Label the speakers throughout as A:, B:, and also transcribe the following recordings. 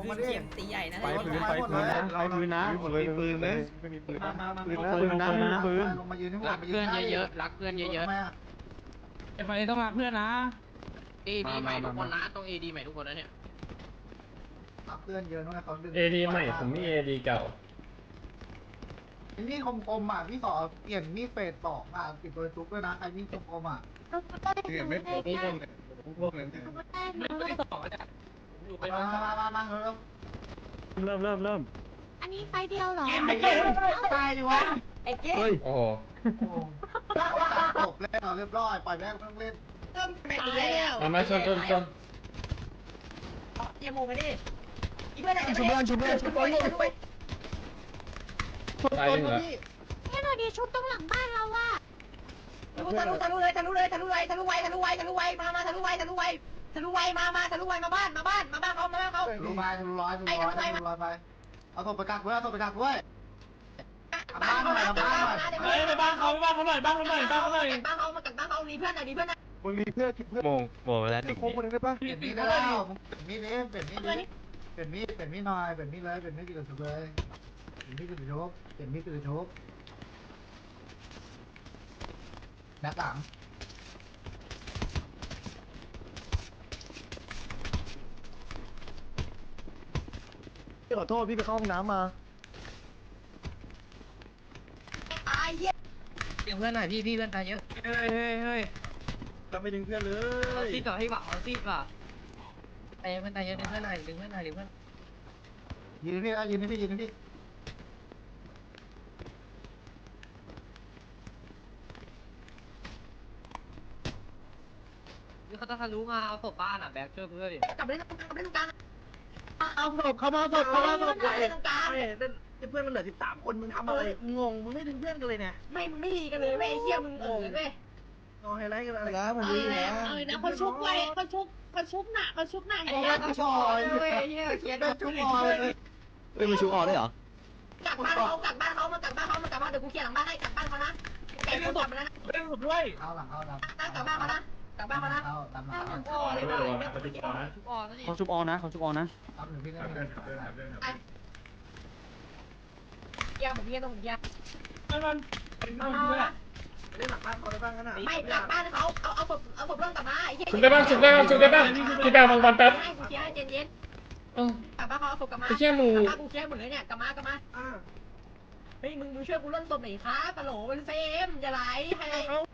A: งมาดิ
B: เสียงตีใหญ่นะ
C: ไฟพื้นไฟพื้นนะไฟพื้นนะ
D: หมดเลยปืนเลย
C: ไม่มีปืน
A: มา
C: นะ
A: มา
C: ปืนนะปืนนะไม่มีปืน
A: ลงมายืนทั้งหมด
E: รักเพื่อนเยอะๆรักเพื่อนเยอะ
A: ไอ้ไฟต้องรักเพื่อนนะ
E: ๆเอดีใหม่ทุกคนนะต้องเอดีใหม่ทุกคนนะเนี่ย
A: รักเพื่อนเยอะนะเขาดึง
F: เอดีใหม่ผมมีเอดีเก่า
A: นี่คมๆอ่ะพี่สอเปลี่ยนมีดเฟส2อ่ะปิดเบอร์จุ๊บด้วยนะใครมีดคมๆอ่ะ
D: เนี่ยไม่พวกเลยพวกเลย
E: ไม่ได้ต่อเนี่ยอยู่ไป
A: มาเร็ว
C: เริ่ม
G: อันนี้ไฟเดียวเหรอ
A: ตายดิวะ
B: ไอ้เก๊
C: เฮ้ย
F: โอ้โห
A: จบแล้วเรียบร้อยปล่อยแม่งต้องเล่น
B: เริ่มไปแล้ว
F: มาชน
B: เยี่ยมโมกันดิอีเพื่อน
C: ชุบเพื่อนชุบเพื่อนชุบเพื่อน
F: ตายหนึ่งแล้ว
G: แค่หน่อยดีชุบตรงหลังบ้านเราอะ
B: ทะลุเลยมาทะลุไวมาบ้านเขา
A: รู้ไปรู้ร้อยไปเอาศพไปกักไว้เอาศพไปกักไว้บ้านหน่อยบ้านหน่อย
B: ไปบ้านเขามากัดบ้านเขามีเพื่อนหน่อย
D: มึงมีเพื่อนคิดเพื่อนโมแล้วหนึ่งโค้งคนนึงได้ปะ
A: เปลี่ยนมีดได้แล้วเปลี่ยนมีดนี้เปลี่ยนมีดนี้เปลี่ยนมีดหน่อยเปลี่ยนมีดเลยเปลี่ยนมีดกับสุดเลยเปลี่ยนมีดกับสุดโชกเปลี่ยนมีดกับสุดโชกแม็กหลัง
C: พี่ขอโทษพี่ไปเข้าห้องน้ำมา
B: ไอ้เหี้ย
E: เดี๋ยวเพื่อนหน่อยพี่เพื่อนตายเยอะเฮ้ย
C: จะไม่ดึงเพื่อนเล
E: เอา
C: ย
E: ซีก่อนให้หวังเอาซีก่อนเพื่อนตายเยอะดึงเพื่อนหน่อยดึงเพื่อน
A: ยืนนี่ยืนนี่
E: นี่เขาต้องทะลุมาเอาศพบ้านอ่ะแบกช่วยเพื่อนดิ
B: กลับไปเล่นตรงกลาง
C: เอาศพเข้ามาศพเข้ามาศพ
B: กลับไปเล่นตรงกลาง
C: เพื่อนมันเหลือ13คนมึงทำอะไรงงมึงไม่ดึงเพื่อนกันเลยเนี่ย
B: มึงไม่ดีกันเลยเว้ยเหี้ยมึงเว้ย
C: งอไฮไลท์กันอะไรแล้วผมดีแล้ว
B: นะเขาชุบหน่ะเขาชุบหน่ะ
A: โอ้ยชอย
E: เฮ้ยเฮียเครียด
A: เป็นชุบออยเลย
C: เฮ้ยมันชูออกได้เหรอก
B: ลับบ้านเขาเดี๋ยวกูเคลียร์หลังบ้านให้กลับบ้านเขานะแกกูกลับมานะ
A: เอาหลังเอาหลัง
B: กลับบ้านเขานะ
A: เอาตามหลัง
B: โอ้ย
E: ชุบออกนี่
C: เขาชุบออนนะเขาชุบออนนะ
A: เอาหนึ่งพี่เล่น
B: ยาผมเยี่ยต้องยา
A: เล่นหลังบ้านเขาได้บ้างกันอ่ะ
B: ไม่กลับบ้านเขาเอาศพเรื่องกลับมาไอ้เหี้ย
F: ชุบได้บ้างพี่แบงบางแป๊บ
B: ให้กูเคลียร์ให้เย็นกลับบ้านเขาเอาศพกลับมา
F: ไอ้เชี่ยมึง
B: กลับบ้านกูเคลียร์หมดเลยเนี่ยกลับมาเฮ้ยมึงช่วยกูเล่นศพหน่อยครับกะโหลเป็นเฟมจะไหลให้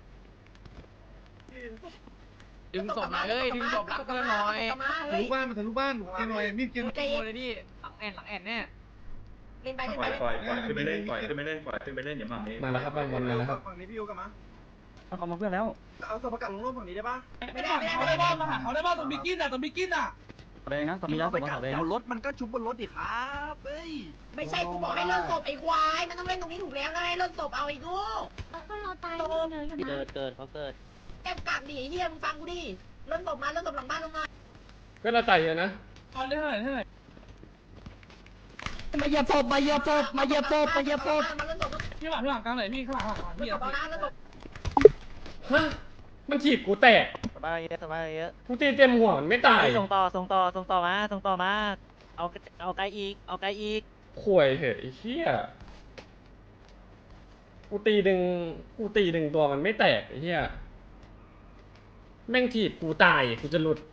E: ดึงศพหน่อยเฮ้ยดึงศพรักเพื่อนหน่อย
B: กลับมา
D: ทะ
B: เฮ้ย
D: ลุบ้านมันทะลุบ้านกินหน่อยมีดกิน
B: ใจ
E: โอ้
B: เย็น
E: ยพี่หลังแอนแน่
B: เล่นไป
H: ปล่อยขึ้นไปเล่นปล่อยขึ้นไปเล่นอย่ามาเอง
F: มาแล้วครับบางวันมาแล้วครับ
A: ฝั่งนี้พี่ยูกลับมา
C: เอาเขามาเพื่อนแล้ว
A: เอาตัวประกันลงโลกฝั่งนี้ได้ปะ
B: ไม่ได้
A: เขาได้บ้านมาหาเขาได้บ้านตรงบิกินอ่ะตรงบิกินอ่ะ
C: แดงนะตอนนี้แล้วศพมาแดง
A: รถมันก็ชุบบนรถดิครับเฮ้ย
B: ไม่ใช่กูบอกให้เล่นศพไอ้ควายมันต้องเล่นตรงนี้ถูกแล้วนะให้เล่นศพเอาไอ้กู
G: ก็เราตายเลยอยู่นะ
C: เกิดเขาเกิด
B: แอบกลับดิเฮียมึงฟังกูดิเล่นศพมาเล่นศพหลังบ้านลงมา
F: ก็เราตายเยอะนะ
A: เอาได้เท่าไหร่
C: มาเหยียบศพมาเหยียบศพมาเหยียบศพมาเหยียบศพ
B: มาเล่นศพ
A: พี่หลังกลางไหนพี่ข้างหลัง
B: เล่นศพเอานะเล่นศพ
F: ฮะมันถีบกูแตก
C: สบายเยอะสบายเยอะ
F: กูตีเต็มหัวมันไม่ตาย
C: ส่งต่อมาเอาไกลอีก
F: ข่วยเหอะไอ้เหี้ยกูตีดึงตัวมันไม่แตกไอ้เหี้ยแม่งถีบกูตายกูจะหลุด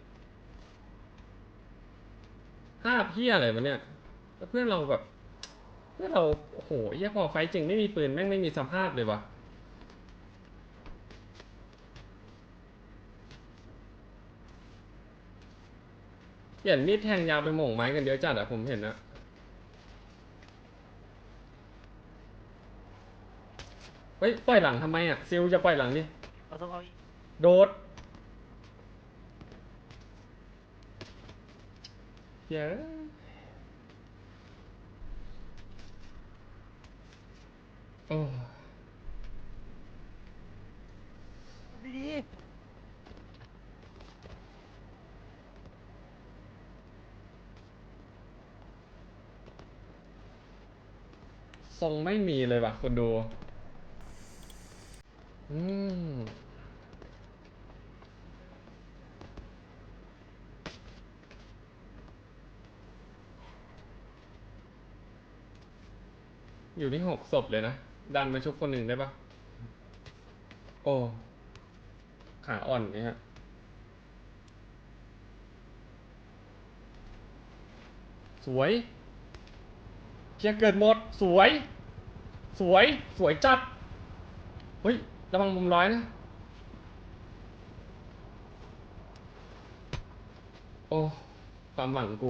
F: ภาพเหี้ยอะไรวะเนี่ยแล้วเพื่อนเราแบบโอ้โหเหี้ยพอไฟจริงไม่มีปืนแม่งไม่มีสภาพเลยวะเปลี่ยนมีดแทงยาวไปหม่งไม้กันเยอะจัดอะผมเห็นนะเฮ้ยปล่อยหลังทำไมอะซิลจะปล่อยหลังดิโดดเยอะโอ้ทรงไม่มีเลยว่ะคนดูอยู่ที่6 ศพเลยนะ ดันมาชุบคนหนึ่งได้ปะโอ้ ขาอ่อนเนี่ยฮะ สวยเชียร์เกิดหมด สวย สวย สวยจัด เฮ้ย ระวังมุมร้อยนะ โอ้ ความหวังกู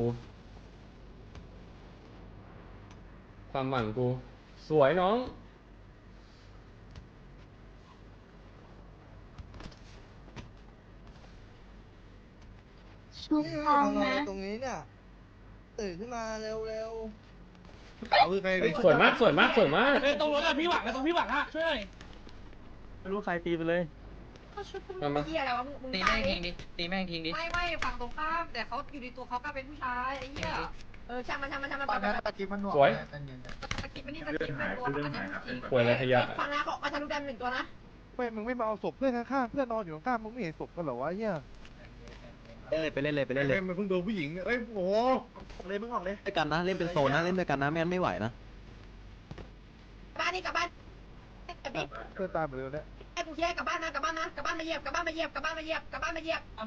F: ความหวังกู สวยน้อง
G: ชุบพร้อมนะ
B: ตรงนี้เนี่ยตื่นขึ้นมาเร็ว
D: เอาคือใคร
F: สวยมาก สวยมาก สวยมาก
E: ตรงรถอะพี่หวังตรงพี่หวังอะช่วยหน่อย
C: ไม่รู้ใครตีไปเลย
F: มามา
B: เหี้ยอะไรวะมึง
E: ตีแม่งทิ้งดิตีแม่งทิ้งดิ
B: ไม่ฝั่งตรงข้ามแต่เขาอยู่ในตัวเขาก็เป็นผู้ชายไอ้เหี้ยช่างมัน
A: ตอนนี้ตะกี้มันหน่วง
F: สวย
A: ใจเย็นๆ
B: ตะกี้มันนี่ตะกี้เป็นตัว
H: เรื่องหายครับ
F: ป่วยอะไรขยะ
B: ฟังนะบอกมาทะลุแดน1 ตัวนะ
D: ไม่มึงไม่มาเอาศพเพื่อนข้างๆเพื่อนนอนอยู่ข้างๆมึงไม่เห็นศพกันเหรอวะเฮีย
C: ไปเล่นเลยไปเล่นเลย
D: มันเพิ่งโดนผู้หญิงเอ้ยโอ้โห
A: เลยมึงออกเลย
C: ด้วยกันนะเล่นเป็นโซนนะเล่นด้วยกันนะไม่งั้นไม่ไหวนะ
B: บ้านนี่กลับบ้าน
D: เพื่อนตายหมดเลยเนี่ย
B: ไอ้กูแยกกลับบ้านนะกลับบ้านมาเหยียบกลับบ้านมาเหยียบใจเย็นกลับบ้าน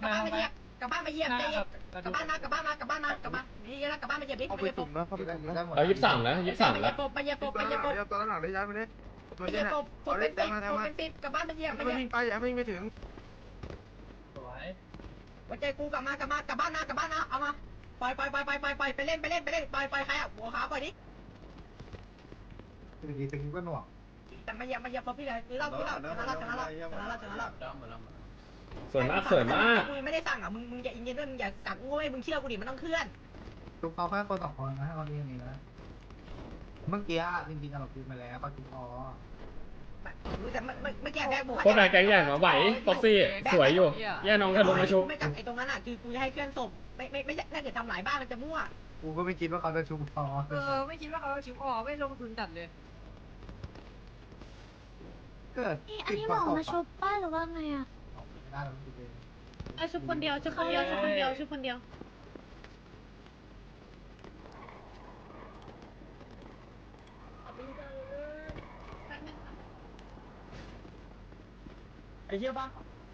B: นี่นะกลับบ้านมาเหยียบดิ
D: เข้าไปตุ่มนะเข้าไปตุ่มนะ
F: เอา23แล้ว23แล้ว
B: มาเหยียบปบ
A: ตอนหลังได้ย้ายไปเลย
B: มาเหยียบปบเป็นปิดกลับบ้านมาเหยียบ
A: ไม่วิ่งไปอย่าวิ่งไปถึง
E: สวย
B: หัวใจกูกลับบ้านนะเอามาปล่อยไปเล่นปล่อยใครอ่ะหัวขาปล่อยดิ
A: ตะกี้ก็หน่วง
B: แต่มาเหยียบปบพี่เลยคือเราชนะแล้ว
F: สวยมาก สวยมาก
B: มึงไม่ได้สั่งอ่ะมึงอย่าอินเย็นด้วยมึงอย่ากักโง่มึงเชื่อกูดิมันต้องเคลื่อน
A: ทุกเขาแค่คน2 คนนะตอนนี้นี่นะเมื่อกี้จริงๆเราคุยมาแล้วเขาจุกคอ
B: แต่ไม่แก้แพ้กู
F: พวกนายแก๊งใหญ่มาไหวฟ็อกซี่ สวยอยู่ แย่น้องทะลุมาชุบ
B: ไม่กักไอ้ตรงนั้นอ่ะคือกูจะให้เคลื่อนศพไม่ถ้าเกิดทำหลายบ้านมันจะมั่ว
A: กูก็ไม่คิดว่าเขาจะชุบคอ
B: ไม่คิดว่าเขาชิวออกไม่ลงทุนจัดเลย
A: เกิด
G: อันนี้บอกมาชุบป้าหรือว่าไงอ่ะ
A: ไม่ได้เราคิดเอง
G: ชุบคนเดียว
C: ไอ้เหี้ยบ้า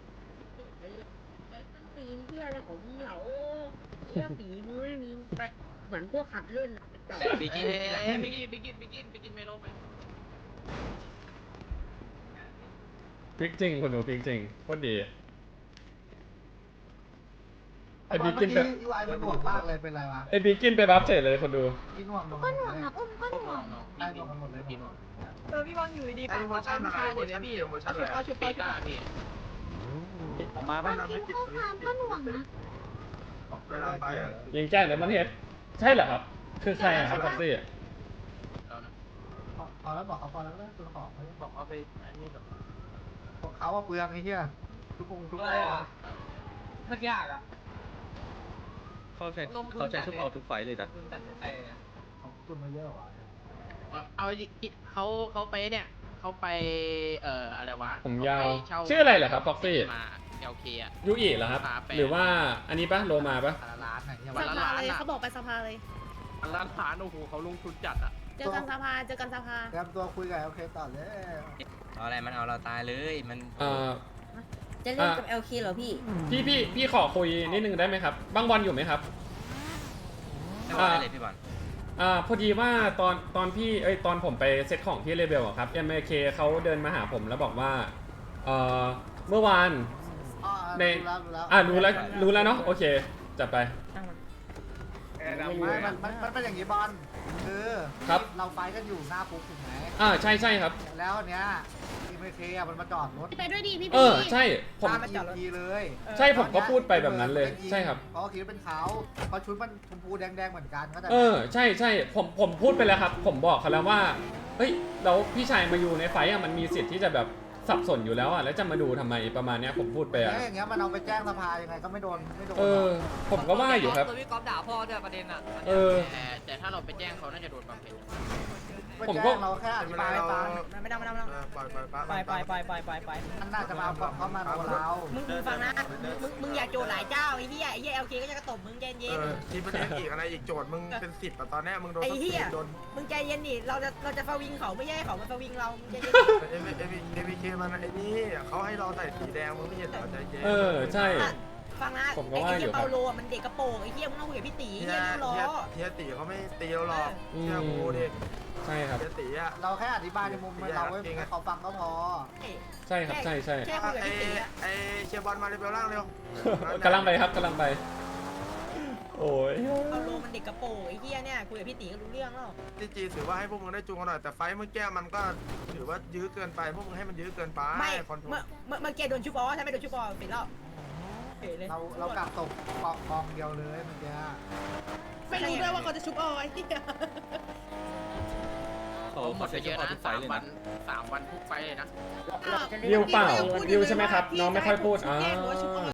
B: ปีนเที่ยอะไรของมึงเหรอเที่ยปีมึงไม่มีเหมือนพวกขัดเล่น
E: บิกินไม่ลงไป
F: พลิกจริงคนดูพลิกจริงโคตรดีไอ้บิ๊กกินไป
A: ยูไอมันหน่วงมากเลยเป็นไรวะ
F: ไอ้บิ๊กกินไปบัฟเฉยเลยคนดู
A: พี่หน่วง
G: ก็หน่วงอ่ะอุ้มก็หน่วง
A: ได้หน่วงกันหมดเลยพี่หน่วง
B: พี่บอลอยู่ดีๆปากผู้ชายอยู่เลยพี่เอาชุดไป
C: มาป่ะ
G: พิมพ์ข้อความก็หน่วงนะ
F: ยิงแจ้งเลยมันเห็นใช่เหรอครับ คือใครอะครับฟ็อกซี่
A: พอแล้วบอกเขาพอแล้วตัวของเขาบอกเอาไปอันนี้แบบเขาว่าเปลืองไอ้เหี้ยทุกคนทุกคน
E: สักยากอ่ะ
C: เขาใช้ทุกเอาทุกไฟเลยนะ
A: ของตุนมาเยอะกว่า
E: เอาเขาไปเนี่ยเขาไปอะไรวะ
F: ผมยาว ชื่ออะไรเหรอครับฟ็อกซี่
E: มาLKอ่ะ
F: ยูอิเหรอครับ หรือว่าอันนี้ปะโลมาปะ
A: ร้านไหนเนี่ย
E: วันละล้านอ่ะ
G: เขาบอกไปสภาเลย
E: วันละล้านโอ้โหเขาลงทุนจัดอ่ะ
G: เจอกันสภา
A: เตรียมตัวคุยกับโอเคต่อเลย
I: เอาอะไรมันเอาเราตายเลยมัน
F: จะเล่นกับ LK เหรอพี่ พี่ขอคุยนิดนึงได้ไหมครับบางวันอยู่ไหมครับ
I: ไม่ว่าอะไรพี่บอล
F: พอดีว่าตอนพี่ตอนผมไปเซตของที่เลเบลอะครับ MLK เขาเดินมาหาผมแล้วบอกว่าเมื่อวานในรู้แล้วเนาะโอเคจัดไป
A: มันเป็นอย่างนี้บอลคือเราไฟกันอยู่หน้าคุกถูกไหม
F: ใช่ครับ
A: แล้วเนี้ยทีมเคมันมาจอดรถ
G: ไปด้วยดีพี่
F: ใช่ผม
A: มาจอดทีเลย
F: ใช่ผมก็พูดไปแบบนั้นเลยใช่ครับ
A: เพราะคิดว่าเป็นเขาเพราะชุดมันชมพูแดงเหมือนกันก็แต่
F: ใช่ผมพูดไปแล้วครับ ผมบอกเขาแล้วว่าเฮ้ยแล้วพี่ชายมาอยู่ในไฟอะมันมีสิทธิ์ที่จะแบบสับสนอยู่แล้วอ่ะแล้วจะมาดูทำไมประมาณเนี้ยผมพูดไปอ่ะ
A: อย่างเงี้ยมันเอาไปแจ้งสภายังไงก็ไม่โดน
F: ผมก็ว่าอยู่ครับ
B: ตัวพี่ก๊อฟด่าพ่อด้วยประเด็นอ่ะ
E: แต่ถ้าเราไปแจ้งเขาน่าจะโดนบำเพ็ญ
F: ผมก็
A: เราแค่อธิบายให้ฟัง
B: ไม่ต้องไป
A: มันน่าจะมาบอกเขามาโดนเรา
B: มึงฟังนะมึงอย่าโจหลายเจ้าไอ้เหี้ยเอลเคก็จะกระตบมึงใจเย็น
D: ทีประเด็นอีกอะไรอีกโจทย์มึงเป็น10อ่ะตอนนี้มึงโดน
B: ไอ้เหี้ย
D: โดน
B: มึงใจเย็นดิเราจะฟาวิงเขาไม่ใช่เขามันฟาวิงเราใจเย็น
D: เอวีเคมันไอ้นี่เขาให้เราใส่สีแดงมึงไม่เห็นเหรอใจเย็น
F: ใช่
B: ฟังนะ
F: ผมก็
B: ไอ้
F: ว่าอยู่
B: เหี้ย
F: ครับ
B: เปาโลมันเด็กกระโปรงไอ้เหี้ยมึงต้องคุยกับพี่ตีเหี้ยลูกล้อ
D: เฮียตีเขาไม่ตีเราหรอกเชื่อกูดิ
F: ใช่ครับ
D: เฮียตีอ่ะ
A: เราแค่อธิบายในมุมเราให้เขาฟังก็พอ
F: ใช่ครับใช่
B: แค่คุยกับพี่ตีอะ
D: ไอเชียร์บอลมาเรเบลล่างเร็ว
F: กำลังไปครับกำลังไป โอ้ย
B: เปาโลมันเด็กกระโปรงไอ้เหี้ยเนี่ยคุยกับพี่ตีก็รู้เรื่องแล้ว
D: จีถือว่าให้พวกมึงได้จูงกันหน่อยแต่ไฟเมื่อกี้มันก็ถือว่ายื้อเกินไปพวกมึงให้มันยื้อเกินไป
B: ไม่
D: คอนโทร
B: เมื่อกี้โดนชุบอใช่ไหมโดนชุบอปิดแล้วเป๋เลย
A: เรากลับตกกองเดียวเลยเมื่อกี้
G: ไม่รู้ด้วยว่าเขาจะชุบเอาไอ้ที่
E: เขาหมดไปเยอะนะ3 วันทุกไฟเลยนะ
F: ดิวเปล่าดิวใช่ไหมครับน้องไม่ค่อยพูด
G: ชุบแดงหรือว่าชุบ